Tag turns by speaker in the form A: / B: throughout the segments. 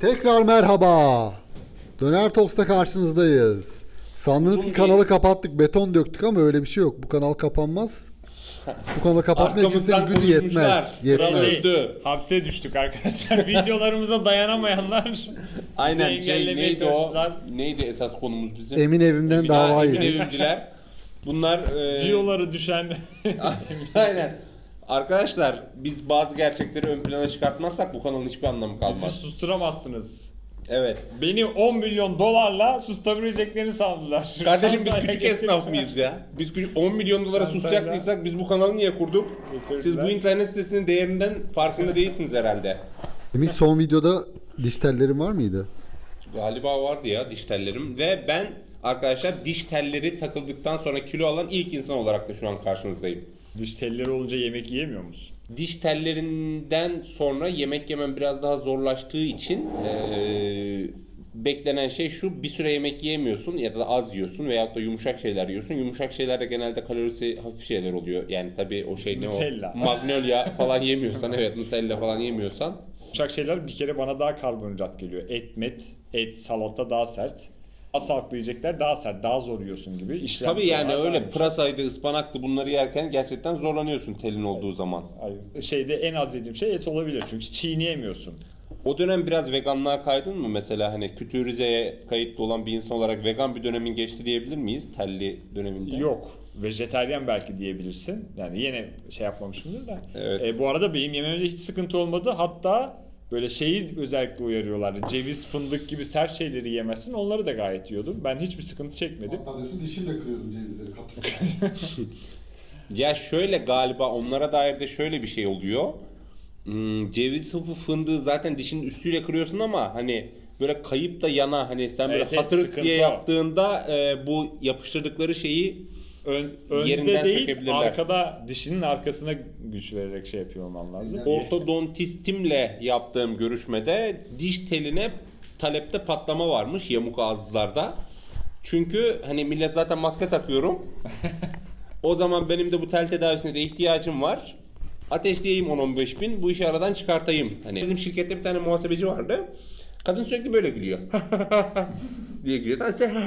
A: Tekrar merhaba. Döner Talks'ta karşınızdayız. Sandınız ki kanalı kapattık, beton döktük ama öyle bir şey yok. Bu kanal kapanmaz. Bu kanalı kapatmaya kimsenin gücü yetmez.
B: Öldü. Hapse düştük arkadaşlar. Videolarımıza dayanamayanlar
C: Aynen
B: engellemeye çalıştılar.
C: Neydi esas konumuz bizim?
A: Emin evimden dava
C: Emin
A: yedi.
C: evimciler. Bunlar
B: Ciyoları düşen.
C: Aynen. Arkadaşlar biz bazı gerçekleri ön plana çıkartmazsak bu kanalın hiçbir anlamı
B: Bizi
C: kalmaz.
B: susturamazsınız.
C: Evet.
B: Beni 10 milyon dolarla susturabileceklerini sandılar.
C: Kardeşim biz
B: Çantayla
C: küçük esnaf
B: getirdiler.
C: mıyız ya? Biz 10 milyon dolara
B: Çantayla
C: susacaktıysak biz bu kanalı niye kurduk?
B: getirdiler.
C: Siz bu internet sitesinin değerinden farkında değilsiniz herhalde.
A: Emin son videoda diş tellerin var mıydı?
C: Galiba vardı ya diş tellerim ve ben arkadaşlar diş telleri takıldıktan sonra kilo alan ilk insan olarak da şu an karşınızdayım.
B: Diş telleri olunca yemek yiyemiyor musun?
C: Diş tellerinden sonra yemek yemem biraz daha zorlaştığı için beklenen şey şu: bir süre yemek yiyemiyorsun ya da az yiyorsun veyahut da yumuşak şeyler yiyorsun. Yumuşak şeyler de genelde kalorisi hafif şeyler oluyor. Yani tabii o şey ne
B: Nutella.
C: o? Magnolia falan yemiyorsan, evet, Nutella falan yemiyorsan.
B: Uçak şeyler bir kere bana daha karbonhidrat geliyor. Et, salata daha sert. Sağlıklı yiyecekler daha sert, daha zor yiyorsun gibi. İşlem
C: Tabii yani
B: sonra
C: öyle
B: daha
C: pırasaydı, ıspanaktı, bunları yerken gerçekten zorlanıyorsun telin olduğu zaman.
B: Hayır. Şeyde en az yediğim şey et olabilir çünkü çiğneyemiyorsun.
C: O dönem biraz veganlığa kaydın mı? Mesela hani Kütüğü Rize'ye kayıtlı olan bir insan olarak vegan bir dönemin geçti diyebilir miyiz? Telli döneminde.
B: Yok. Vejetaryen belki diyebilirsin. Yani yine şey yapmamışımdır da.
C: Evet.
B: Bu arada benim yememde hiç sıkıntı olmadı. Hatta böyle şeyi özellikle uyarıyorlardı. Ceviz, fındık gibi sert şeyleri yemezsin. Onları da gayet yiyordum. Ben hiçbir sıkıntı çekmedim.
A: Hatta diyorsun dişimle kırıyordum cevizleri.
C: Ya şöyle, galiba onlara dair de şöyle bir şey oluyor. Ceviz sıvı fındığı zaten dişinin üstüyle kırıyorsun ama hani böyle kayıp da yana, hani sen böyle
B: Evet, evet,
C: hatırık
B: sıkıntı
C: diye
B: o.
C: yaptığında bu yapıştırdıkları şeyi
B: Önde
C: yerinden
B: değil,
C: sökebilirler.
B: arkada dişinin arkasına güç vererek şey yapıyor olman lazım.
C: Ortodontistimle yaptığım görüşmede diş teline talepte patlama varmış yamuk ağızlarda. Çünkü hani millet zaten maske takıyorum. O zaman benim de bu tel tedavisine de ihtiyacım var. Ateşleyeyim 10-15 bin, bu işi aradan çıkartayım. Hani bizim şirkette bir tane muhasebeci vardı. Kadın sürekli böyle gülüyor. diye gülüyor.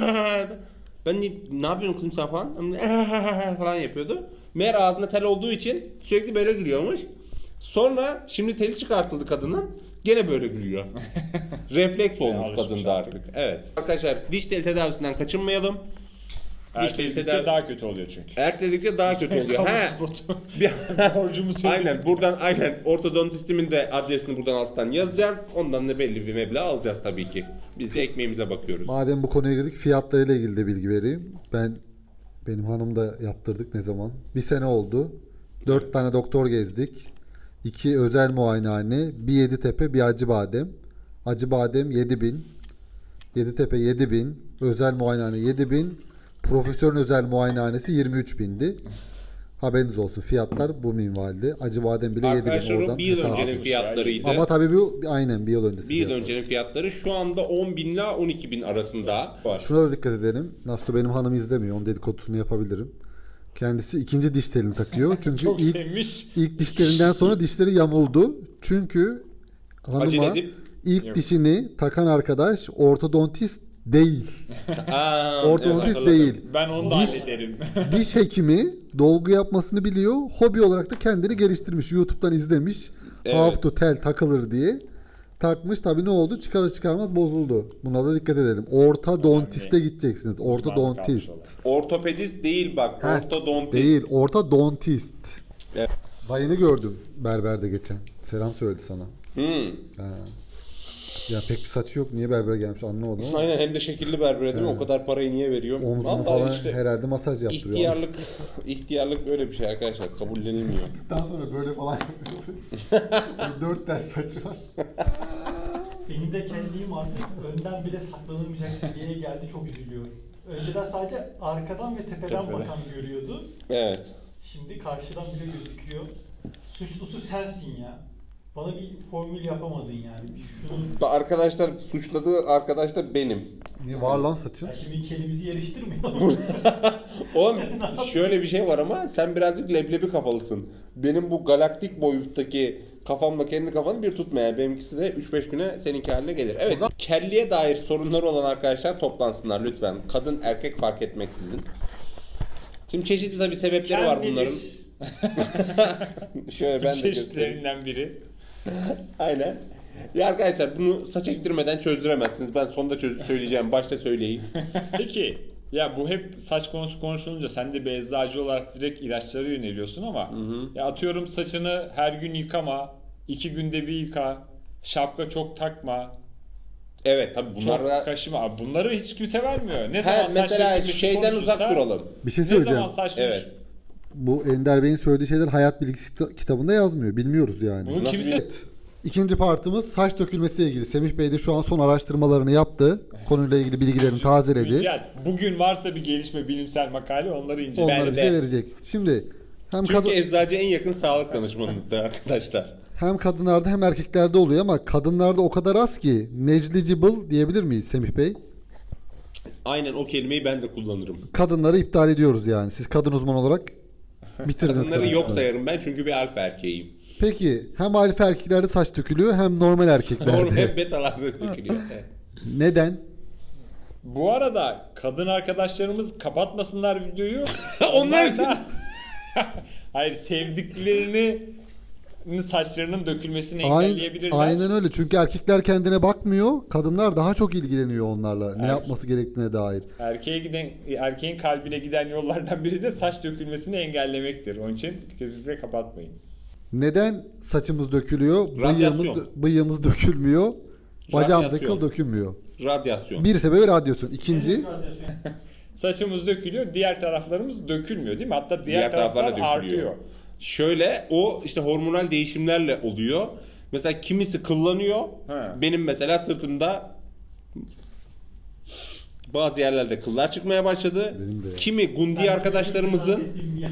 C: Ben ne yapıyorsun kızım sen falan? falan yapıyordu. Meğer ağzında tel olduğu için sürekli böyle gülüyormuş. Sonra şimdi teli çıkartıldı kadının. Gene böyle gülüyor. Refleks olmuş
B: alışmış
C: kadında
B: artık.
C: artık. Evet. Arkadaşlar diş teli tedavisinden kaçınmayalım.
B: Erteledikçe daha kötü oluyor çünkü.
C: Erteledikçe daha kötü oluyor.
B: Kamu
C: He.
B: spotu.
C: Bir-
B: Borcumu söyledim.
C: Aynen buradan ortodontistimin de adresini buradan alttan yazacağız. Ondan da belli bir meblağ alacağız tabii ki. Biz de ekmeğimize bakıyoruz.
A: Madem bu konuya girdik, fiyatlarıyla ilgili de bilgi vereyim. Benim hanım da yaptırdık ne zaman? Bir sene oldu. 4 tane doktor gezdik. 2 özel muayenehane, bir Yeditepe, bir Acıbadem. Acıbadem 7.000, Yeditepe 7.000, özel muayenehane 7.000, profesörün özel muayenehanesi 23.000'di. Haberiniz olsun, fiyatlar bu minvalde. Acıbadem bile 7.000
C: Arkadaşlar o
A: oradan
C: bir yıl
A: hesap.
C: öncenin fiyatlarıydı.
A: Ama tabii bu aynen bir yıl öncesi.
C: Bir yıl
A: fiyatlar.
C: öncenin fiyatları şu anda 10 bin ile 12 bin arasında var.
A: Şuna da dikkat edelim. Nasıl benim hanım izlemiyor. Onun dedikodusunu yapabilirim. Kendisi ikinci diş telini takıyor. Çünkü
B: Çok
A: ilk,
B: sevmiş.
A: ilk dişlerinden sonra dişleri yamuldu. Çünkü
C: Acele
A: hanıma
C: edip-
A: ilk
B: Yok.
A: dişini takan arkadaş ortodontist değil. Ortodontist
C: hatırladım.
A: değil.
B: Ben onu da
A: Diş-
B: hallederim.
A: Diş hekimi dolgu yapmasını biliyor. Hobi olarak da kendini geliştirmiş. YouTube'dan izlemiş.
C: Evet.
A: How to tel takılır diye. Takmış. Tabii ne oldu? Çıkarır çıkarmaz bozuldu. Buna da dikkat edelim. Ortodontiste gideceksiniz. Ortodontist.
C: Ortopedist değil bak,
A: Heh,
C: ortodontist.
A: Değil. Ortodontist.
C: Evet.
A: Dayını gördüm berberde geçen. Selam söyledi sana. Ha. Ya pek bir saçı yok. Niye berbere gelmiş anlamadım ama.
C: Aynen, hem de şekilli berbere değil mi? O kadar parayı niye veriyorum?
A: Omzunu
C: Vallahi
A: falan
C: işte
A: herhalde masaj yaptırıyor.
C: ihtiyarlık böyle bir şey arkadaşlar, kabullenilmiyor.
A: Daha sonra böyle falan yapıyor. 4 tel saçı var.
D: Benim de kendiyim artık önden bile saklanılmayacak seviyeye geldi, çok üzülüyorum. Önceden sadece arkadan ve tepeden bakan görüyordu.
C: Evet.
D: Şimdi karşıdan bile gözüküyor. Suçlusu sensin ya. Bana bir formül yapamadın yani. Bir şunu
C: Arkadaşlar, suçladığı arkadaş da benim.
A: Niye var lan saçın?
D: Ya şimdi kelimizi yarıştırmıyor.
C: Oğlum şöyle bir şey var ama sen birazcık leblebi kafalısın. Benim bu galaktik boyuttaki kafamla kendi kafanı bir tutmaya. Benimkisi de 3-5 güne seninki haline gelir. Evet, kelliye dair sorunları olan arkadaşlar toplansınlar lütfen. Kadın erkek fark etmeksizin. Şimdi çeşitli tabii sebepleri var bunların. Şöyle ben de göstereyim.
B: Çeşitlerinden biri.
C: Aynen. Ya arkadaşlar bunu saç ektirmeden çözdüremezsiniz. Ben sonunda söyleyeceğim. Başta söyleyeyim.
B: Peki ya bu hep saç konusu konuşulunca sen de bir eczacı olarak direkt ilaçlara yöneliyorsun ama ya atıyorum saçını her gün yıkama, 2 günde bir yıka, şapka çok takma,
C: Evet tabii bunlar
B: çok
C: da...
B: kaşıma. Abi bunları hiç kimse vermiyor. Ne zaman
C: He,
B: saç
C: mesela
B: dökülmesi
C: şeyden
B: konuşulsa,
C: uzak duralım.
A: Bir şey
B: Ne
A: söyleyeceğim.
B: zaman saç
C: Evet.
A: Bu Ender Bey'in söylediği şeyler hayat bilgisi kitabında yazmıyor. Bilmiyoruz yani.
B: Bunu
C: Nasıl
B: kimse
A: Evet. İkinci partımız saç dökülmesiyle ilgili. Semih Bey de şu an son araştırmalarını yaptı. Konuyla ilgili bilgilerini tazeledi.
B: güncel. Bugün varsa bir gelişme, bilimsel makale onları incele.
A: Onları bize
C: de.
A: verecek. Şimdi hem
C: Çünkü eczacı en yakın sağlık danışmanınızdır arkadaşlar.
A: hem kadınlarda hem erkeklerde oluyor ama kadınlarda o kadar az ki negligible diyebilir miyiz Semih Bey?
C: Aynen o kelimeyi ben de kullanırım.
A: Kadınları iptal ediyoruz yani. Siz kadın uzman olarak bitirdiniz.
C: Kadınları yok
A: kadınları.
C: sayarım ben çünkü bir alfa erkeğim.
A: Peki hem alfa erkeklerde saç dökülüyor hem normal erkeklerde.
C: Doğru hep betalarda dökülüyor. Evet.
A: Neden?
B: Bu arada kadın arkadaşlarımız kapatmasınlar videoyu.
C: Onlar
B: da hayır, sevdiklerini saçlarının dökülmesini engelleyebilirler.
A: Aynen öyle. Çünkü erkekler kendine bakmıyor. Kadınlar daha çok ilgileniyor onlarla. Ne yapması gerektiğine dair.
B: Erkeğin kalbine giden yollardan biri de saç dökülmesini engellemektir. Onun için kesinlikle kapatmayın.
A: Neden saçımız dökülüyor?
C: Radyasyon.
A: Bıyığımız dökülmüyor. Bacağımızdaki
C: Radyasyon.
A: kıl dökülmüyor.
C: Radyasyon.
A: Bir sebebi radyasyon. İkinci
B: Saçımız dökülüyor, diğer taraflarımız dökülmüyor değil mi? Hatta diğer
C: Diğer taraflar
B: taraflar
C: da dökülüyor.
B: artıyor.
C: Şöyle o işte hormonal değişimlerle oluyor. Mesela kimisi kıllanıyor.
B: He.
C: Benim mesela sırtımda bazı yerlerde kıllar çıkmaya başladı.
A: Benim de.
C: Kimi gundi arkadaşlarımızın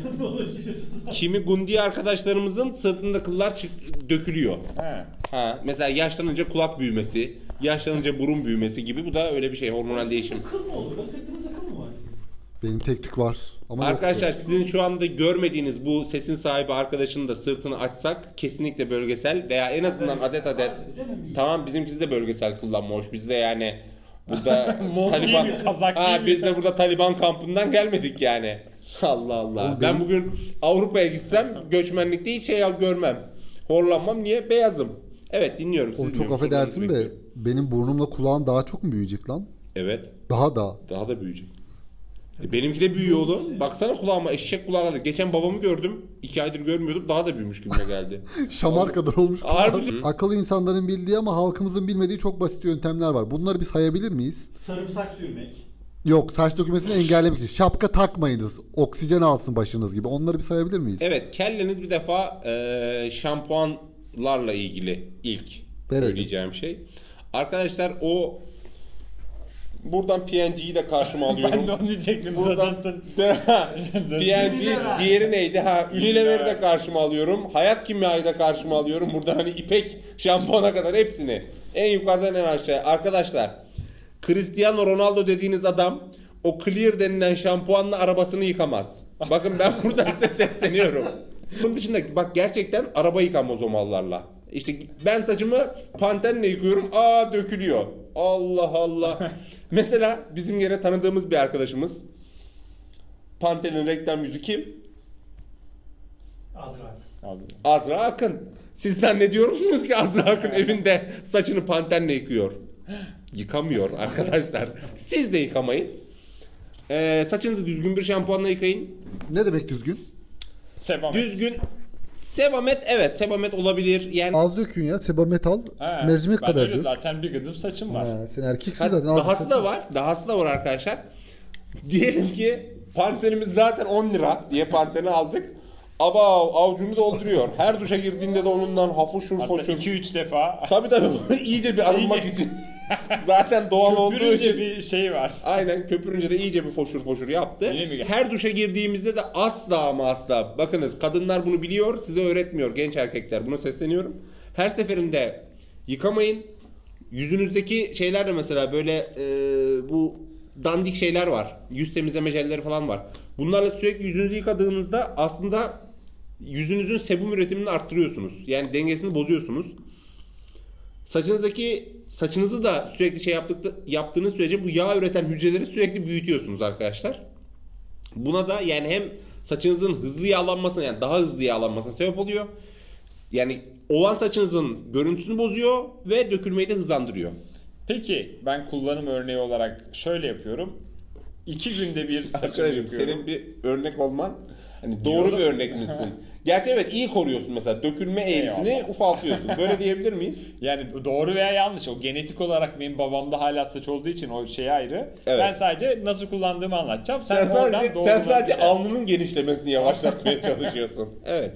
C: sırtında kıllar dökülüyor.
B: He.
C: Ha, mesela yaşlanınca kulak büyümesi, yaşlanınca burun büyümesi gibi bu da öyle bir şey hormonal değişim.
D: Kıl mı olur? Sırtınızda kıl mı var sizin?
A: benim tek tük var. Ama
C: Arkadaşlar
A: yoktu.
C: sizin şu anda görmediğiniz bu sesin sahibi arkadaşının da sırtını açsak kesinlikle bölgesel veya en azından adet tamam bizimkisi de bölgesel kullanma hoş. Biz de yani burada
B: Mont
C: Taliban
B: değil mi? Kazak değil mi?
C: biz de burada Taliban kampından gelmedik yani. Allah Allah.
A: Oğlum
C: Ben
A: benim-
C: bugün Avrupa'ya gitsem göçmenlikte hiç şey görmem. Horlanmam. Niye? Beyazım. Evet dinliyorum. Siz
A: Oğlum çok
C: dinliyorum.
A: affedersin
C: Sorularınızı
A: de
C: bekliyorum.
A: benim burnumla kulağım daha çok mu büyüyecek lan?
C: Evet.
A: Daha da.
C: Daha da büyüyecek. Benimki de büyüyor oğlum. Baksana kulağıma eşek kulağı geldi. Geçen babamı gördüm. 2 aydır görmüyordum. Daha da büyümüş gibime geldi.
A: Şamar kadar olmuş.
C: Harbi.
A: kulağım. Akıllı insanların bildiği ama halkımızın bilmediği çok basit yöntemler var. Bunları bir sayabilir miyiz?
D: Sarımsak sürmek.
A: Yok, saç dökülmesini engellemek için. Şapka takmayınız. Oksijen alsın başınız gibi. Onları bir sayabilir miyiz?
C: Evet, kelleniz bir defa şampuanlarla ilgili ilk
A: Verelim.
C: söyleyeceğim şey. Arkadaşlar o buradan PNG'yi de karşıma alıyorum.
B: Ben de onu diyecektim.
C: Buradan
B: Zaten
C: PNG, diğeri neydi? Ha, Unilever'i de karşıma alıyorum. Hayat Kimya'yı da karşıma alıyorum. Buradan hani İpek şampuana kadar hepsini. En yukarıdan en aşağıya. Arkadaşlar, Cristiano Ronaldo dediğiniz adam o Clear denilen şampuanla arabasını yıkamaz. Bakın ben buradan size sesleniyorum. Bunun dışında bak gerçekten araba yıkamaz o mallarla. İşte ben saçımı Pantene'le yıkıyorum. Aa dökülüyor. Allah Allah. Mesela bizim yine tanıdığımız bir arkadaşımız. Pantene'in reklam yüzü kim?
D: Azra.
C: Azra Akın. Siz zannediyor musunuz ki Azra Akın evinde saçını Pantene'le yıkıyor? Yıkamıyor arkadaşlar. Siz de yıkamayın. Saçınızı düzgün bir şampuanla yıkayın.
A: Ne demek düzgün?
B: Sebamet.
C: Düzgün. Sebamet evet sebamet olabilir. Yani
A: Az dökün ya. Sebamet al.
B: He,
A: Mercimek
B: ben
A: kadar
B: öyle
A: dök.
B: zaten bir gıdım saçım var.
A: Ha, sen erkeksin
C: Ha,
A: zaten. az
C: dahası
A: saçın-
C: da var. Dahası da var arkadaşlar. Diyelim ki Pantenimiz zaten 10 lira diye Pantene aldık. Ama avucunu dolduruyor. Her duşa girdiğinde de onundan hafuşur
B: Hatta
C: foşur.
B: 2-3 defa
C: Tabii iyice bir arınmak
B: İyice.
C: için. Zaten doğal olduğu
B: köpürünce
C: için.
B: bir şey var.
C: Aynen köpürünce de iyice bir foşur yaptı.
B: Öyle mi?
C: Her duşa girdiğimizde de asla ama asla. Bakınız kadınlar bunu biliyor, size öğretmiyor genç erkekler. Buna sesleniyorum. Her seferinde yıkamayın. yüzünüzdeki şeyler de mesela böyle bu dandik şeyler var. Yüz temizleme jelleri falan var. Bunlarla sürekli yüzünüzü yıkadığınızda aslında yüzünüzün sebum üretimini arttırıyorsunuz. Yani dengesini bozuyorsunuz. Saçınızı da sürekli yaptığınız sürece bu yağ üreten hücreleri sürekli büyütüyorsunuz arkadaşlar. Buna da yani hem saçınızın hızlı yağlanmasına, yani daha hızlı yağlanmasına sebep oluyor. Yani olan saçınızın görüntüsünü bozuyor ve dökülmeyi de hızlandırıyor.
B: Peki ben kullanım örneği olarak şöyle yapıyorum. 2 günde bir saçımı
C: Arkadaşım
B: yıkıyorum.
C: senin bir örnek olman hani doğru bir örnek misin? Gerçi evet iyi koruyorsun mesela dökülme eğrisini
B: Eyvallah.
C: ufaltıyorsun. Böyle diyebilir miyiz?
B: Yani doğru veya yanlış. O genetik olarak benim babamda hala saç olduğu için o şey ayrı.
C: Evet.
B: Ben sadece nasıl kullandığımı anlatacağım.
C: Sen sadece
B: doğrudan bir şey-
C: alnının genişlemesini yavaşlatmaya çalışıyorsun. Evet.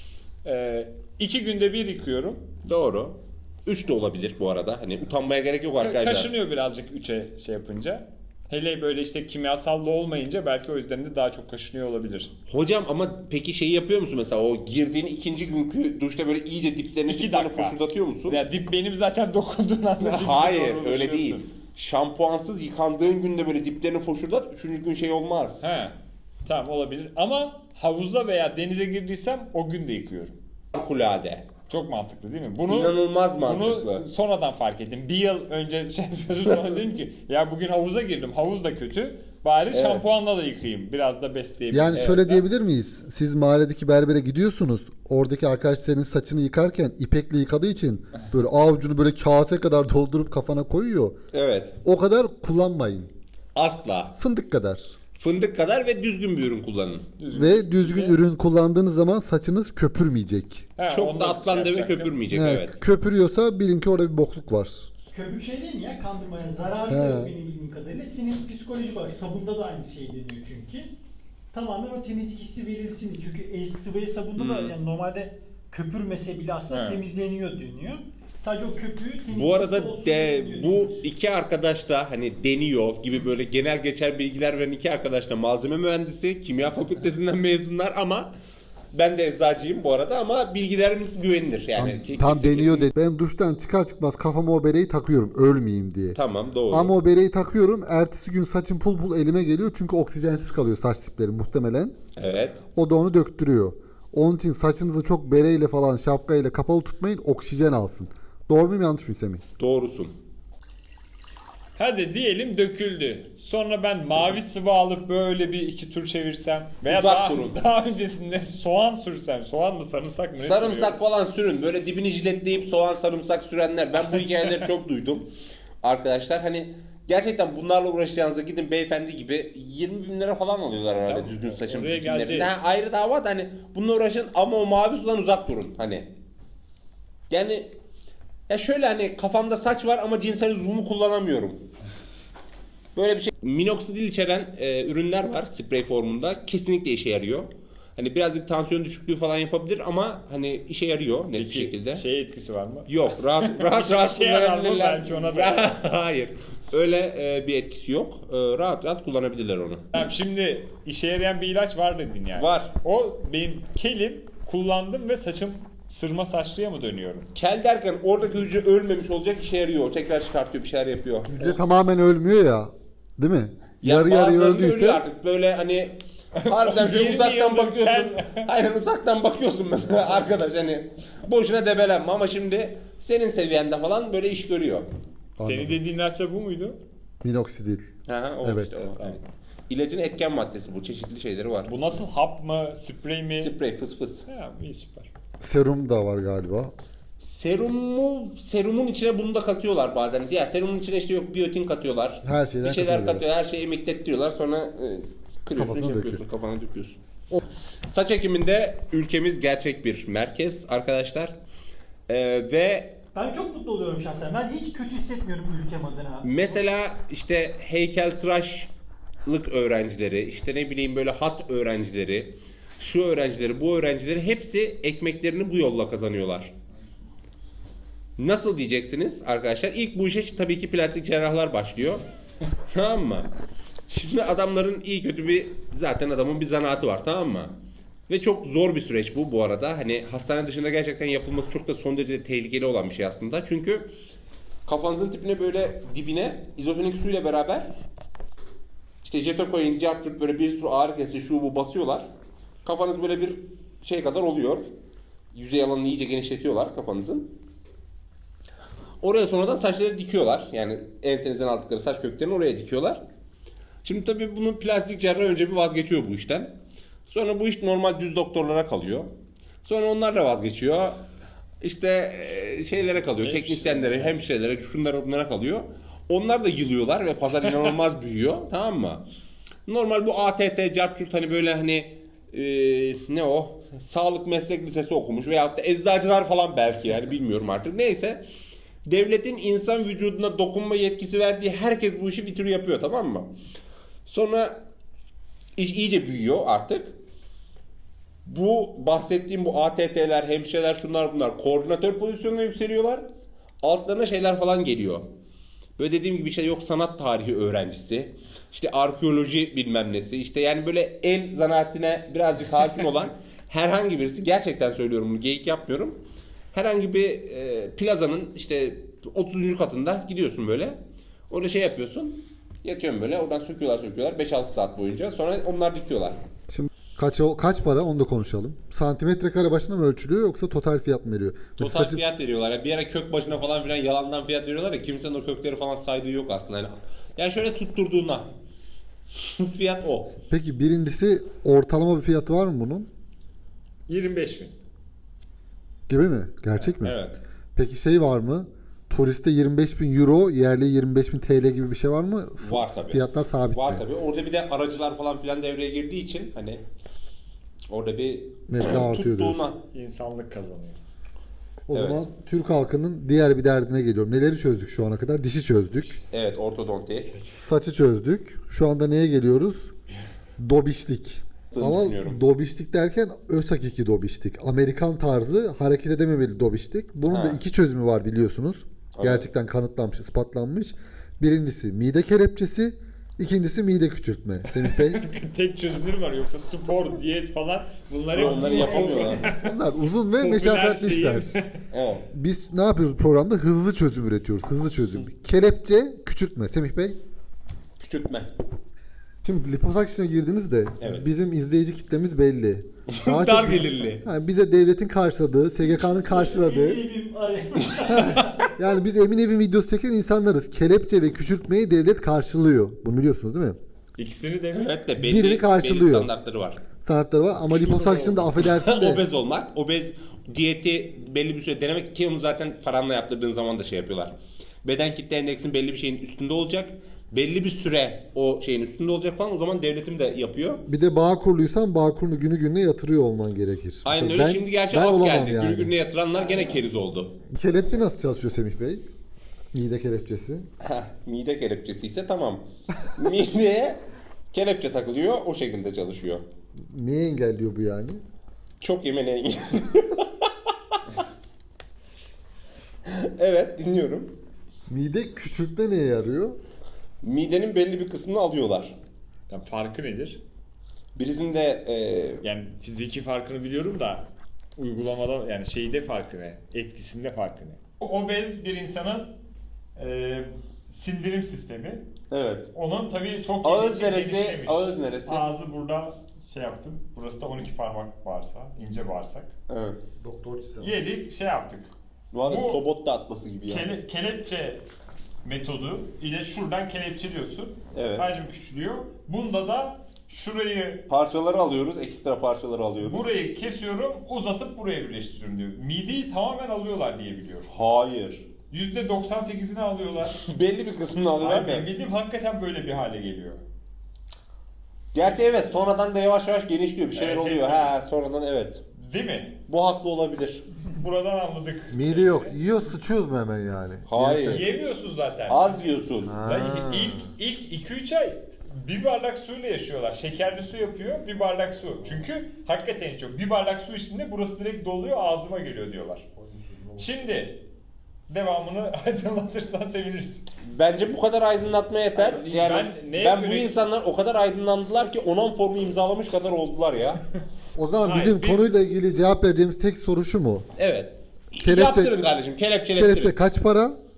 B: 2 günde bir yıkıyorum.
C: Doğru. 3 de olabilir bu arada. Hani utanmaya gerek yok arkadaşlar.
B: Kaşınıyor birazcık 3'e şey yapınca. Hele böyle işte kimyasallı olmayınca belki o yüzden de daha çok kaşınıyor olabilir.
C: Hocam ama peki şeyi yapıyor musun mesela o girdiğin ikinci günkü duşta böyle iyice diplerini
B: 2
C: diplerini
B: dakika.
C: foşurdatıyor musun?
B: Ya dip benim zaten dokunduğun anda dip
C: Hayır
B: doğru
C: öyle değil.
B: ulaşıyorsun.
C: Şampuansız yıkandığın günde böyle diplerini foşurdat. Üçüncü gün şey olmaz.
B: He. Tamam olabilir ama havuza veya denize girdiysem o gün de yıkıyorum.
C: Harikulade.
B: Çok mantıklı değil mi?
C: İnanılmaz mantıklı.
B: Bunu sonradan fark ettim. Bir yıl önce şey yapıyordum sonra dedim ki ya bugün havuza girdim. Havuz da kötü. Bari şampuanla da yıkayayım. Biraz da besleyebilirim.
A: Yani şöyle diyebilir miyiz? Siz mahalledeki berbere gidiyorsunuz. Oradaki arkadaş senin saçını yıkarken ipekle yıkadığı için böyle avucunu böyle kase kadar doldurup kafana koyuyor.
C: Evet.
A: O kadar kullanmayın.
C: Asla.
A: Fındık kadar.
C: Fındık kadar ve düzgün bir ürün kullanın.
A: Ve düzgün ürün kullandığınız zaman saçınız köpürmeyecek.
B: He,
C: Çok
B: onu
C: da
B: şey
C: atlandı ve
B: yapacaktım.
C: köpürmeyecek
A: Yani
C: evet.
A: köpürüyorsa bilin ki orada bir bokluk var.
D: Köpük şey değil mi ya, kandırmaya zararlı
A: He.
D: yok benim bildiğim kadarıyla. Senin psikolojik olarak sabunda da aynı şey deniyor çünkü. Tamamen o temizlik hissi verilsin diye. Çünkü eski sıvı sabunda da yani normalde köpürmese bile aslında
B: He.
D: temizleniyor deniyor. Sadece o köpüğü temizlik
C: Bu arada
D: hissi olsun diye deniyor.
C: bu iki arkadaş da hani deniyor gibi böyle genel geçer bilgiler veren iki arkadaş da malzeme mühendisi, kimya fakültesinden mezunlar ama ben de eczacıyım bu arada ama bilgilerimiz güvenilir yani.
A: Tam deniyor dedi. Ben duştan çıkar çıkmaz kafama o bereyi takıyorum ölmeyeyim diye.
C: Tamam doğru.
A: Ama o bereyi takıyorum. Ertesi gün saçım pul pul elime geliyor. Çünkü oksijensiz kalıyor saç dipleri muhtemelen.
C: Evet.
A: O da onu döktürüyor. Onun için saçınızı çok bereyle falan şapkayla kapalı tutmayın. Oksijen alsın. Doğru muyum yanlış mıyım Semih?
C: Doğrusun.
B: Hadi diyelim döküldü. Sonra ben mavi sıvı alıp böyle bir iki tur çevirsem veya
C: Uzak
B: daha,
C: durun.
B: daha öncesinde soğan sürsem. Soğan mı sarımsak mı? Ne
C: Sarımsak
B: sürüyorum?
C: falan sürün. Böyle dibini jiletleyip soğan sarımsak sürenler. Ben bu hikayeleri çok duydum. Arkadaşlar hani gerçekten bunlarla uğraşacağınızda gidin beyefendi gibi 20 bin lira falan alıyorlar herhalde
B: Tamam,
C: düzgün saçın
B: oraya
C: dikimlerinde.
B: geleceğiz.
C: Ha, ayrı dava da hani bununla uğraşın ama o mavi sudan uzak durun hani. Yani ya şöyle hani kafamda saç var ama cinsel uzvumu kullanamıyorum. Böyle bir şey. Minoksidil içeren ürünler var sprey formunda. Kesinlikle işe yarıyor. Hani birazcık tansiyon düşüklüğü falan yapabilir ama hani işe yarıyor net bir
B: Peki,
C: şekilde.
B: şey etkisi var mı?
C: Yok rahat
B: İşe yarar mı?
C: kullanabilirler.
B: Belki ona da.
C: Hayır. Öyle bir etkisi yok. Rahat kullanabilirler onu.
B: Tamam, şimdi işe yarayan bir ilaç var dedin yani.
C: Var.
B: O benim kelim kullandım ve saçım sırma saçlıya mı dönüyorum?
C: Kel derken oradaki hücre ölmemiş olacak işe yarıyor. Tekrar çıkartıyor bir şeyler yapıyor.
A: Hücre tamamen ölmüyor ya. Değil mi?
C: Ya
A: Yarı yarıya
C: bazılarında ölüyor
A: öldüyse
C: artık böyle hani harbiden şöyle
B: 20
C: uzaktan
B: yıldır
C: bakıyorsun. Aynen uzaktan bakıyorsun mesela arkadaş hani boşuna debelenme ama şimdi senin seviyende falan böyle iş görüyor.
B: Senin dediğin ilaç da bu muydu?
A: minoksidil.
C: Ha, o
A: Evet.
C: işte o. Yani. İlacın etken maddesi bu. Çeşitli şeyleri var.
B: Bu nasıl, hap mı, sprey mi?
C: Sprey fıs fıs.
B: Ha, iyi süper.
A: Serum da var galiba.
C: Serumun içine bunu da katıyorlar bazen. Ya serumun içine işte yok biyotin katıyorlar.
A: Her şeyden
C: bir şeyler
A: katıyorlar.
C: katıyor. Her şeyi emiklettiriyorlar. Sonra kırıyorsun,
A: Kafasına
C: yapıyorsun, kafana döküyorsun. Saç ekiminde ülkemiz gerçek bir merkez arkadaşlar. Ve
D: Ben çok mutlu oluyorum şahsen. Ben hiç kötü hissetmiyorum ülkem adına.
C: mesela işte heykeltıraşlık öğrencileri, işte ne bileyim böyle hat öğrencileri, şu öğrencileri, bu öğrencileri hepsi ekmeklerini bu yolla kazanıyorlar. Nasıl diyeceksiniz arkadaşlar? İlk bu işe tabii ki plastik cerrahlar başlıyor. Tamam mı? Şimdi adamların iyi kötü zaten adamın bir zanaatı var, tamam mı? Ve çok zor bir süreç bu arada. Hani hastane dışında gerçekten yapılması çok da son derece tehlikeli olan bir şey aslında. Çünkü Kafanızın dibine izofrenik suyla beraber işte jetokoin, cartçurt böyle bir sürü ağrı kesici şu bu basıyorlar. Kafanız böyle bir şey kadar oluyor. Yüzey alanını iyice genişletiyorlar kafanızın. Oraya sonradan saçları dikiyorlar. Yani ensenizden aldıkları saç köklerini oraya dikiyorlar. Şimdi tabii bunun plastik cerrah önce bir vazgeçiyor bu işten. Sonra bu iş normal düz doktorlara kalıyor. Sonra onlar da vazgeçiyor. İşte şeylere kalıyor, teknisyenlere, hemşirelere, şunlara bunlara kalıyor. Onlar da yılıyorlar ve pazar inanılmaz büyüyor, tamam mı? Normal bu ATT, cartçurt hani böyle hani ne o? Sağlık meslek lisesi okumuş veyahut da eczacılar falan belki yani bilmiyorum artık. Neyse. Devletin insan vücuduna dokunma yetkisi verdiği herkes bu işi bir tür yapıyor, tamam mı? Sonra iş iyice büyüyor artık. Bu bahsettiğim bu ATT'ler, hemşireler, şunlar bunlar koordinatör pozisyonuna yükseliyorlar. Altlarına şeyler falan geliyor. Böyle dediğim gibi işte yok sanat tarihi öğrencisi, işte arkeoloji bilmem nesi, işte yani böyle el zanaatine birazcık hakim olan herhangi birisi, gerçekten söylüyorum bunu, geyik yapmıyorum. Herhangi bir plazanın işte 30. katında gidiyorsun böyle. Orada şey yapıyorsun. Yatıyorsun böyle. Oradan söküyorlar 5-6 saat boyunca. Sonra onlar dikiyorlar.
A: Şimdi kaç para onu da konuşalım. Santimetre kare başına mı ölçülüyor yoksa total fiyat mı veriyor?
C: Total fiyat veriyorlar. Yani bir ara kök başına falan filan yalandan fiyat veriyorlar ya, kimsenin o kökleri falan saydığı yok aslında. Yani şöyle tutturduğuna fiyat o.
A: Peki birincisi ortalama bir fiyatı var mı bunun?
B: 25.000.
A: Gibi mi? Gerçek mi?
C: Evet.
A: Peki şey var mı? Turiste 25.000 euro, yerli 25.000 TL gibi bir şey var mı?
C: Var tabii.
A: Fiyatlar sabit
C: Var
A: mi?
C: tabii. Orada bir de aracılar falan filan devreye girdiği için hani orada bir
A: Meblağ artıyor
C: tuttuğuna.
B: İnsanlık kazanıyor.
A: O
C: Evet.
A: zaman Türk halkının diğer bir derdine geliyorum. Neleri çözdük şu ana kadar? Dişi çözdük.
C: Evet, ortodonti.
A: Saçı çözdük. Şu anda neye geliyoruz? Dobişlik. Ama
C: Düşünüyorum.
A: dobişlik derken öz hakiki dobişlik. Amerikan tarzı hareket edememeli dobişlik. Bunun da
C: Ha.
A: iki çözümü var biliyorsunuz.
C: Evet.
A: Gerçekten kanıtlanmış, ispatlanmış. Birincisi mide kelepçesi, ikincisi mide küçültme. Semih Bey.
B: Tek çözümleri var, yoksa spor, diyet falan bunları
C: Onları yapamıyorlar.
A: Bunlar uzun ve
B: Popüler
A: meşakkatli
B: şeyi-
A: işler.
C: Evet.
A: Biz ne yapıyoruz programda? Hızlı çözüm üretiyoruz. Hızlı çözüm. Kelepçe, küçültme. Semih Bey.
C: Küçültme.
A: Şimdi liposakşına girdiniz de
C: Evet.
A: bizim izleyici kitlemiz belli. Daha
C: Dar
A: çok-
C: gelirli.
A: Ha, bize devletin karşıladığı, SGK'nın karşıladığı.
D: Benim araya.
A: Yani biz Emin Evin videosu çeken insanlarız. Kelepçe ve küçültmeyi devlet karşılıyor. Bunu biliyorsunuz değil mi?
B: İkisini de mi?
C: Evet de
A: Birini
C: belli
A: karşılıyor.
C: standartları var.
A: Sanatları var ama liposakşın da affedersin de.
C: Obez olmak, obez diyeti belli bir süre denemek ki onu zaten paranla yaptırdığın zaman da şey yapıyorlar. Beden kitle endeksin belli bir şeyin üstünde olacak. Belli bir süre o şeyin üstünde olacak falan, o zaman devletim de yapıyor.
A: Bir de bağ kurluysan bağ kurunu günü gününe yatırıyor olman gerekir.
C: Aynen
A: Mesela
C: öyle. Şimdi gerçi
A: ben
C: af
A: olamam
C: geldi.
A: yani.
C: Günü gününe yatıranlar gene keriz oldu.
A: Kelepçe nasıl çalışıyor Semih Bey? Mide kelepçesi.
C: Mide kelepçesi ise tamam. Mideye kelepçe takılıyor, o şekilde çalışıyor.
A: Neyi engelliyor bu yani?
C: Çok yemeğine Evet, dinliyorum.
A: Mide küçültme neye yarıyor?
C: Midenin belli bir kısmını alıyorlar.
B: Yani farkı nedir?
C: Birisinde
B: Yani fiziki farkını biliyorum da uygulamada, yani şeyde farkı ne? Etkisinde farkı ne? Obez bir insanın sindirim sistemi.
C: evet.
B: Onun tabii çok
C: Ağız
B: gelişmiş,
C: neresi?
B: gelişmemiş.
C: Ağız neresi?
B: Ağzı burada şey yaptım. Burası da 12 parmak bağırsağı, ince bağırsak.
C: Evet.
A: Doktor çizen.
B: Yedik, şey yaptık.
C: Bu arada
B: Bu-
C: Sobotta atması gibi yani.
B: Kelepçe metodu ile şuradan kelepçeliyorsun.
C: Evet.
B: Hacim küçülüyor. Bunda da şurayı,
C: Parçaları alıyoruz, ekstra parçaları alıyoruz.
B: burayı kesiyorum, uzatıp buraya birleştiriyorum diyor. Mideyi tamamen alıyorlar diye biliyorum.
C: Hayır.
B: %98'ini alıyorlar.
C: Belli bir kısmını alıyorlar
B: Abi benim
C: mı?
B: bildiğim hakikaten böyle bir hale geliyor.
C: Gerçi evet, sonradan da yavaş yavaş genişliyor, bir şeyler
B: Evet,
C: oluyor.
B: evet.
C: Ha, sonradan evet.
B: Değil mi?
C: Bu haklı olabilir.
B: Buradan anladık.
A: Mide yok. Yiyor sıçıyoruz mu hemen yani?
C: Hayır.
B: Yemiyorsun zaten.
C: Az yiyorsun.
A: Ha.
B: Ya ilk 2-3 ay bir bardak suyla yaşıyorlar. Şekerli su yapıyor, bir bardak su. Çünkü hakikaten hiç yok. Bir bardak su içinde burası direkt doluyor, ağzıma geliyor diyorlar. Şimdi devamını aydınlatırsan seviniriz.
C: Bence bu kadar aydınlatma yeter.
B: Abi,
C: Yani
B: ben neye
C: ben bu
B: göre-
C: insanlar o kadar aydınlandılar ki onan formu imzalamış kadar oldular ya.
A: O zaman
B: Hayır,
A: bizim
B: biz-
A: konuyla ilgili cevap vereceğimiz tek soru şu mu?
C: Evet.
A: Kelepçe-
C: Yaptırın kardeşim, kelepçelettirin.
A: Kelepçe kaç para?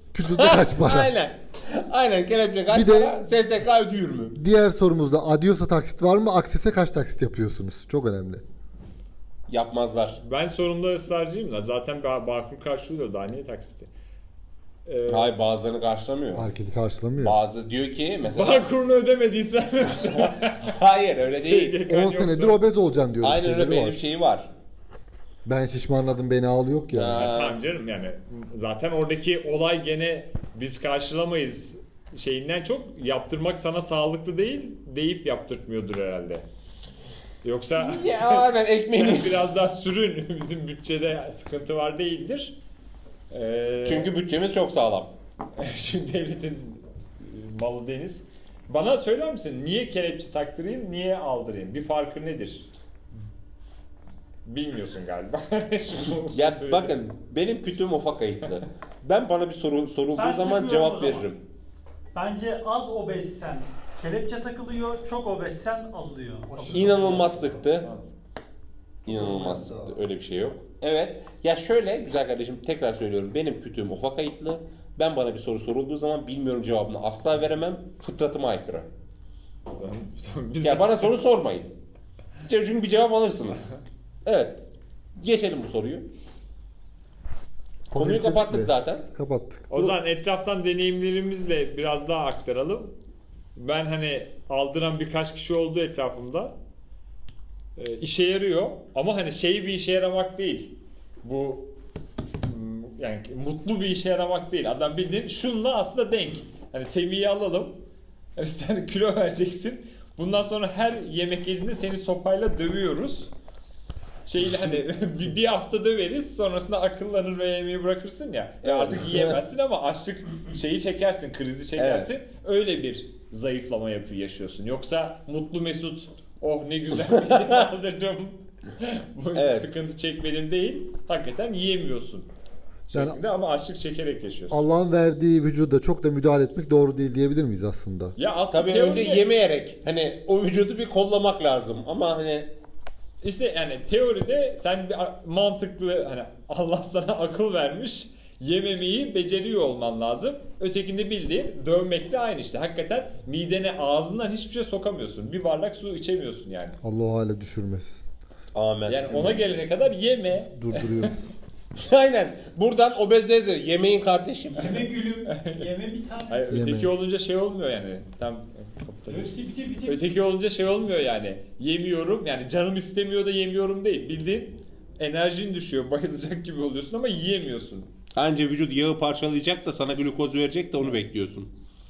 A: Küçüldü kaç para?
C: Aynen. Aynen kelepçe kaç
A: Bir de-
C: para? SSK ödüyor mu?
A: Diğer sorumuzda Adios'a taksit var mı? Akses'e kaç taksit yapıyorsunuz? Çok önemli.
C: Yapmazlar.
B: Ben sorumda ısrarcıyım da zaten Bağkur karşılıyor, daha niye taksiti?
C: Hayır, bazılarını karşılamıyor.
A: Marketi karşılamıyor.
C: Bazı diyor ki mesela
B: Bağkur'unu ödemediysen mesela.
C: hayır öyle değil.
B: SGK
A: 10
B: yoksa-
A: senedir obez olacaksın diyor.
C: Aynen öyle, benim şeyi var.
A: Ben şişmanladım beni al yok ya.
C: Ha.
B: Tamam canım, yani zaten oradaki olay gene biz karşılamayız şeyinden çok yaptırmak sana sağlıklı değil deyip yaptırtmıyordur herhalde. Yoksa
C: Ya aynen
B: sen
C: ekmeğini.
B: biraz daha sürün, bizim bütçede sıkıntı var değildir.
C: Çünkü bütçemiz çok sağlam.
B: şimdi devletin malı deniz. Bana söyler misin niye kelepçe taktırayım, niye aldırayım? Bir farkı nedir? Bilmiyorsun galiba. Şimdi onu
C: Ya
B: söyle.
C: bakın benim kütüğüm ufak kayıtlı. Ben bana bir soru sorulduğu
D: Ben
C: zaman
D: sıkıyorum o
C: cevap
D: zaman.
C: veririm.
D: Bence az obezsen kelepçe takılıyor, çok obezsen alınıyor.
C: İnanılmaz sıktı. İnanılmaz sıktı. Öyle bir şey yok. Evet. Ya şöyle güzel kardeşim, tekrar söylüyorum. Benim kütüğüm ufak kayıtlı. Ben bana bir soru sorulduğu zaman bilmiyorum cevabını asla veremem. Fıtratıma aykırı.
B: Tamam, biz
C: Ya bana soru sormayın. Çünkü bir cevap alırsınız. Evet. Geçelim bu soruyu. Konuyu kapattık zaten.
A: Kapattık.
B: O zaman etraftan deneyimlerimizle biraz daha aktaralım. Ben hani aldıran birkaç kişi oldu etrafımda. İşe yarıyor ama hani bir işe yaramak değil. Bu yani mutlu bir işe yaramak değil. Adam bildiğin şunla aslında denk. Hani seviyeyi alalım. Yani sen kilo vereceksin. Bundan sonra her yemek yediğinde seni sopayla dövüyoruz. Hani bir hafta döveriz, sonrasında akıllanır ve yemeği bırakırsın ya. Ya artık yiyemezsin ama açlık çekersin, krizi çekersin. Öyle bir zayıflama yaşıyorsun. Yoksa mutlu mesut, oh ne güzel bir aldırdım, bu
C: Evet.
B: sıkıntı çekmedim değil. Hakikaten yiyemiyorsun.
A: Yani-
B: Şeklinde ama açlık çekerek yaşıyorsun.
A: Allah'ın verdiği vücuda çok da müdahale etmek doğru değil diyebilir miyiz aslında?
B: Ya aslında
C: Tabii
B: teoride,
C: önce yemeyerek hani o vücudu bir kollamak lazım ama hani
B: İşte yani teoride sen bir mantıklı, hani Allah sana akıl vermiş, yememeyi beceriyor olman lazım. Ötekinde bildiğin dövmekle aynı işte. Hakikaten midene, ağzından hiçbir şey sokamıyorsun. Bir bardak su içemiyorsun yani.
A: Allah o hale düşürmesin.
C: amen.
B: Yani ona gelene kadar yeme.
A: Durduruyor.
C: Aynen. Buradan obezleze yemeğin kardeşim.
D: Yeme gülüm, yeme bir tane.
B: Hayır,
A: Yeme.
B: öteki olunca olmuyor yani. Tam
D: Hepsi bitir.
B: öteki olunca olmuyor yani. Yemiyorum yani, canım istemiyor da yemiyorum değil. Bildiğin enerjin düşüyor, bayılacak gibi oluyorsun ama yiyemiyorsun.
C: Anca vücut yağı parçalayacak da sana glukoz verecek de onu bekliyorsun.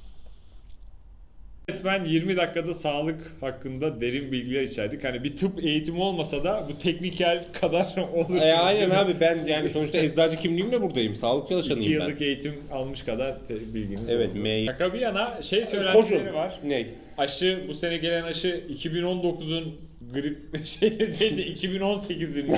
B: Resmen 20 dakikada sağlık hakkında derin bilgiler içerdik. Hani bir tıp eğitimi olmasa da bu teknikel kadar olursunuz.
C: Aynen abi, ben yani sonuçta eczacı kimliğimle buradayım. Sağlık
B: 2
C: çalışanıyım ben.
B: yıllık eğitim almış kadar bilginiz
C: Evet,
B: oldu.
C: mail.
B: Şaka bir yana
C: Koşun.
B: söylentileri var.
C: Ne?
B: Aşı, bu sene gelen aşı 2019'un grip şeyleri değil de 2018'in.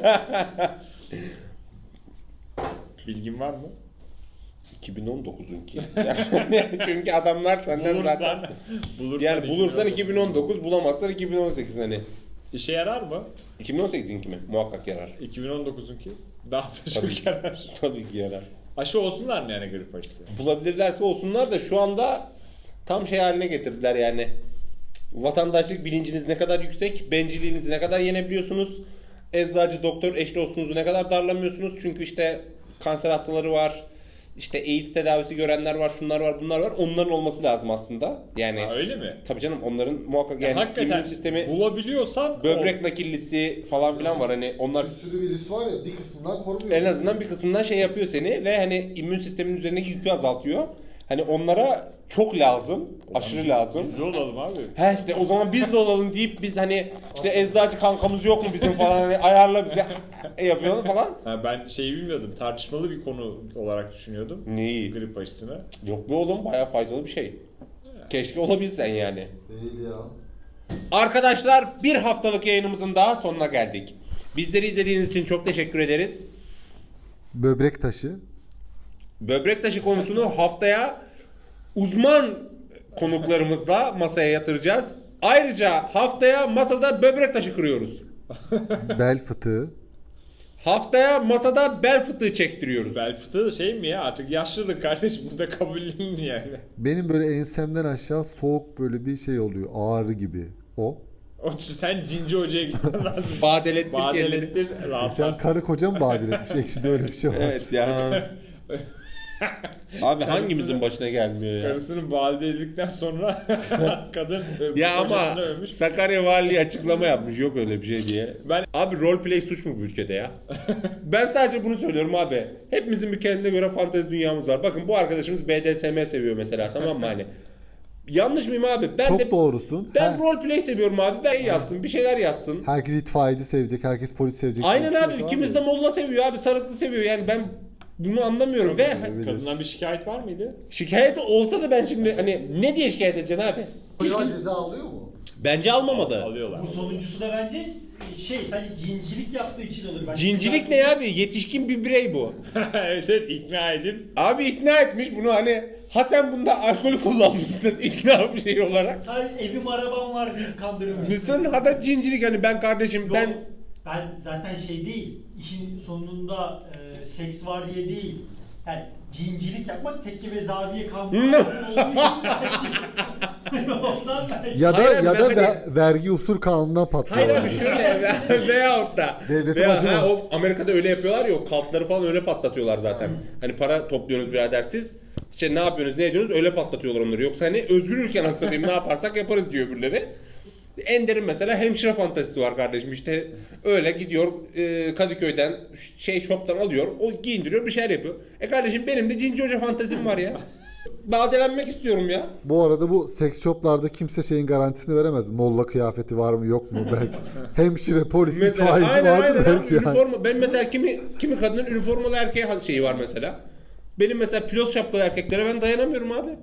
B: Bilgin var mı?
C: 2019'unki. Yani çünkü adamlar senden zaten
B: Bulursan
C: yani bulursan
B: 2019.
C: 2019, bulamazsan 2018 hani.
B: İşe yarar mı?
C: 2018'inki mi? Muhakkak yarar.
B: 2019'unki daha da
C: Tabii.
B: çok yarar.
C: Tabii ki yarar.
B: Aşı olsunlar mı yani, grip aşısı?
C: Bulabilirlerse olsunlar da şu anda tam şey haline getirdiler yani. Vatandaşlık bilinciniz ne kadar yüksek, bencilliğinizi ne kadar yenebiliyorsunuz, eczacı, doktor, eş dostunuzu ne kadar darlamıyorsunuz. Çünkü işte kanser hastaları var, işte AIDS tedavisi görenler var, şunlar var, bunlar var. Onların olması lazım aslında. Yani
B: Ha, öyle mi?
C: tabii canım, onların muhakkak yani
B: Hakikaten
C: immün sistemi,
B: bulabiliyorsan
C: böbrek nakillisi falan filan var. Hani onlar
A: Bir sürü virüs var ya, bir kısmından korumuyor.
C: en azından bir kısmından şey yapıyor seni ve hani immün sistemin üzerindeki yükü azaltıyor. Hani onlara çok lazım, aşırı lazım.
B: Biz de olalım abi.
C: He işte o zaman biz de olalım deyip biz hani işte eczacı kankamız yok mu bizim falan, hani ayarla bize yapıyorlar falan.
B: Ha, ben şeyi bilmiyordum. Tartışmalı bir konu olarak düşünüyordum.
C: Neyi?
B: Grip aşısını.
C: Yok be oğlum, bayağı faydalı bir şey. Keşke olabilsen yani.
A: Değil ya.
C: Arkadaşlar, bir haftalık yayınımızın daha sonuna geldik. Bizleri izlediğiniz için çok teşekkür ederiz.
A: Böbrek taşı.
C: Böbrek taşı konusunu haftaya uzman konuklarımızla masaya yatıracağız. Ayrıca haftaya masada böbrek taşı kırıyoruz.
A: Bel fıtığı.
C: Haftaya masada bel fıtığı çektiriyoruz.
B: Bel fıtığı şey mi ya, artık yaşlılık kardeş, burada kabullenilmiyor yani.
A: Benim böyle ensemden aşağı soğuk böyle bir şey oluyor. Ağrı gibi. O.
B: Sen Cinci Hoca'ya gitmen lazım.
C: Badelettir kendini.
B: Badelettir,
A: Geçen
B: rahatlarsın.
A: karı kocam badil etmiş. Ekşide öyle bir şey var.
C: Evet ya. Abi hangimizin başına gelmiyor ya?
B: Karısını valide edildikten sonra kadın
C: Ya ama
B: kocasını övmüş.
C: Sakarya Valiliği açıklama yapmış yok öyle bir şey diye.
B: Ben-
C: Abi roleplay suç mu bu ülkede ya? Ben sadece bunu söylüyorum abi. Hepimizin bir kendine göre fantezi dünyamız var. Bakın bu arkadaşımız BDSM seviyor mesela, tamam mı hani? Yanlış mıyım abi? Ben
A: Çok
C: de
A: doğrusun.
C: ben roleplay seviyorum abi. Ben yazsın, bir şeyler yazsın.
A: Herkes itfaiyeci sevecek, herkes polis sevecek.
C: Aynen
A: Yok,
C: abi.
A: yok
C: İkimiz de Molla seviyor abi. Sarıklı seviyor. Yani ben bunu anlamıyorum. Ve
A: olabilir.
B: Kadından bir şikayet var mıydı?
C: şikayet olsa da ben şimdi hani ne diye şikayet edeceksin abi?
A: Çocuğa ceza alıyor mu?
C: Bence almamalı.
B: Alıyorlar.
D: Bu sonuncusu da bence sadece cincilik yaptığı için alır. Bence
C: Cincilik ne abi? Yetişkin bir birey bu.
B: Evet, evet, ikna edip
C: Abi ikna etmiş bunu hani, ha sen bunda alkolü kullanmışsın ikna bir şey olarak.
D: Hayır, evim arabam var deyip kandırmışsın.
C: Mısın? Ha da cincilik hani ben kardeşim
D: Yok,
C: ben
D: ben zaten değil, işin sonunda seks var diye değil. Yani cincilik yapmak tekke ve zaviye kandırmak olduğu için belki. Ondan belki.
A: Ya da
C: Hayır abi,
A: ya da
C: ben
A: vergi usul kanunundan patlıyor.
C: hayır abi şöyle veyahut da
A: Devletim acımaz.
C: o Amerika'da öyle yapıyorlar ya, o kampları falan öyle patlatıyorlar zaten. Hani para topluyorsunuz birader siz. İşte ne yapıyorsunuz ne ediyorsunuz öyle patlatıyorlar onları. Yoksa hani özgür ülke nasıl satayım ne yaparsak yaparız diyor öbürleri. Ender'in mesela hemşire fantezisi var kardeşim, işte öyle gidiyor Kadıköy'den shop'tan alıyor, o giyindiriyor bir şeyler yapıyor. Kardeşim benim de Cinci Hoca fantezim var ya. Badelenmek istiyorum ya.
A: Bu arada bu seks shoplarda kimse şeyin garantisini veremez. Molla kıyafeti var mı yok mu belki. Hemşire, polis,
C: Mesela
A: itfaiyeci
C: aynen
A: vardır
C: abi,
A: belki yani.
C: üniforma. Ben mesela kimi kadının üniformalı erkeğe şeyi var mesela. Benim mesela pilot şapkalı erkeklere ben dayanamıyorum abi.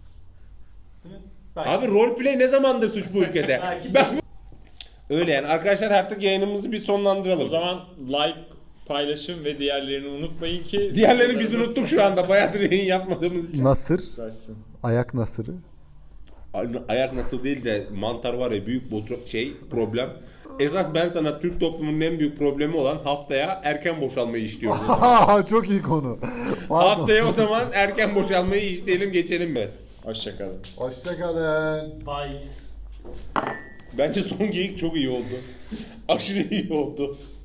D: Belki.
C: Abi roleplay ne zamandır suç bu ülkede?
D: Belki.
C: Ben... Öyle yani arkadaşlar, artık yayınımızı bir sonlandıralım.
B: o zaman like, paylaşım ve diğerlerini unutmayın ki
C: Diğerlerini biz unuttuk şu anda, bayağıdır yayın yapmadığımız için.
A: Nasır,
B: Versin.
A: ayak nasırı.
C: Ayak nasıl değil de mantar var ya, büyük problem. Esas ben sana Türk toplumunun en büyük problemi olan haftaya erken boşalmayı işliyoruz.
A: Çok iyi konu. Pardon.
C: Haftaya o zaman erken boşalmayı işleyelim geçelim. Evet.
B: Hoşçakalın.
A: Hoşçakalın.
D: Vice.
C: Bence son geyik çok iyi oldu. Aşırı iyi oldu.